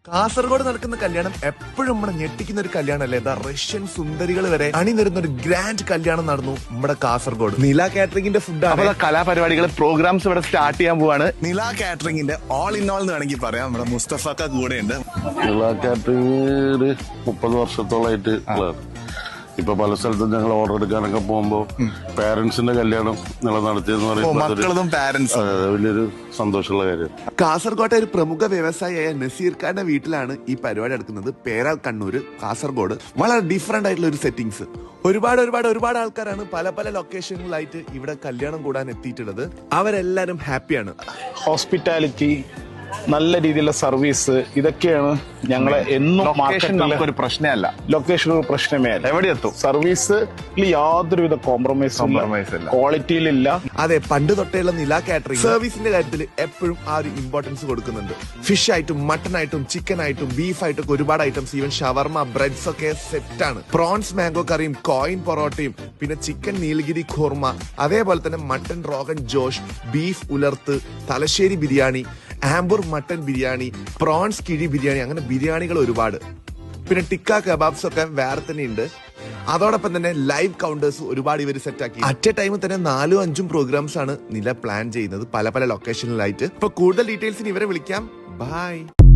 കാസർഗോഡ് നടക്കുന്ന കല്യാണം എപ്പോഴും നമ്മളെ ഞെട്ടിക്കുന്ന ഒരു കല്യാണമല്ലേ? റഷ്യൻ സുന്ദരികൾ വരെ അണിനിരുന്ന ഒരു ഗ്രാൻഡ് കല്യാണം നടന്നു നമ്മുടെ കാസർഗോഡ്. നില കാറ്ററിംഗിന്റെ ഫുഡാണ്. കലാപരിപാടികൾ പ്രോഗ്രാംസ് ഇവിടെ സ്റ്റാർട്ട് ചെയ്യാൻ പോവാണ്. നില കാറ്ററിംഗിന്റെ ഓൾ ഇൻ ഓൾ എന്ന് വേണമെങ്കിൽ പറയാം. നമ്മുടെ മുസ്തഫക്ക കൂടെ ഉണ്ട്. നില കാറ്ററിംഗ് ഒരു 30 വർഷത്തോളായിട്ട് ഇപ്പൊ പല സ്ഥലത്തും ഞങ്ങൾ ഓർഡർ എടുക്കാനൊക്കെ പോകുമ്പോ പാരന്റ്സിന്റെ കല്യാണം നടത്തിയെന്ന് പറയുമ്പോൾ വലിയൊരു സന്തോഷമുള്ള കാര്യം. കാസർഗോട്ടെ ഒരു പ്രമുഖ വ്യവസായിയായ നസീർ ഖാന്റെ വീട്ടിലാണ് ഈ പരിപാടി നടക്കുന്നത്. പേരാൽ കണ്ണൂര്, കാസർഗോഡ്. വളരെ ഡിഫറെന്റ് ആയിട്ടുള്ള ഒരു സെറ്റിംഗ്സ്. ഒരുപാട് ആൾക്കാരാണ് പല പല ലൊക്കേഷനിലായിട്ട് ഇവിടെ കല്യാണം കൂടാൻ എത്തിയിട്ടുള്ളത്. അവരെല്ലാരും ഹാപ്പിയാണ്. ഹോസ്പിറ്റാലിറ്റി, നല്ല രീതിയിലുള്ള സർവീസ്, ഇതൊക്കെയാണ് ഞങ്ങളെ എന്നും ഒരു പ്രശ്നമല്ല. ലൊക്കേഷൻ ഒരു പ്രശ്നമേ അല്ല. എവിടെ എത്തും സർവീസിൽ യാതൊരുവിധ കോംപ്രമൈസും ക്വാളിറ്റിയിലില്ല. അതെ, പണ്ട് തൊട്ടേയുള്ള നില കാറ്ററിംഗ് സർവീസിന്റെ കാര്യത്തിൽ എപ്പോഴും ആ ഒരു ഇമ്പോർട്ടൻസ് കൊടുക്കുന്നുണ്ട്. ഫിഷ് ആയിട്ടും മട്ടൺ ആയിട്ടും ചിക്കൻ ആയിട്ടും ബീഫ് ആയിട്ടും ഒക്കെ ഒരുപാട് ഐറ്റംസ്, ഈവൻ ഷവർമ, ബ്രെഡ്സ് ഒക്കെ സെറ്റാണ്. പ്രോൺസ് മാംഗോ കറിയും കോയിൻ പൊറോട്ടയും പിന്നെ ചിക്കൻ നീലഗിരി ഖോർമ, അതേപോലെ തന്നെ മട്ടൺ റോഗൻ ജോഷ്, ബീഫ് ഉലർത്ത്, തലശ്ശേരി ബിരിയാണി, ആംബൂർ മട്ടൻ ബിരിയാണി, പ്രോൺസ് കിഴി ബിരിയാണി, അങ്ങനെ ബിരിയാണികൾ ഒരുപാട്. പിന്നെ ടിക്ക കബാബ്സ് ഒക്കെ വേറെ തന്നെ ഉണ്ട്. അതോടൊപ്പം തന്നെ ലൈവ് കൗണ്ടേഴ്സ് ഒരുപാട് ഇവർ സെറ്റാക്കി. അറ്റ് എ ടൈമിൽ തന്നെ 4-5 പ്രോഗ്രാംസ് ആണ് നില പ്ലാൻ ചെയ്യുന്നത് പല പല ലൊക്കേഷനിലായിട്ട്. ഇപ്പൊ കൂടുതൽ ഡീറ്റെയിൽസിന് ഇവരെ വിളിക്കാം. ബൈ.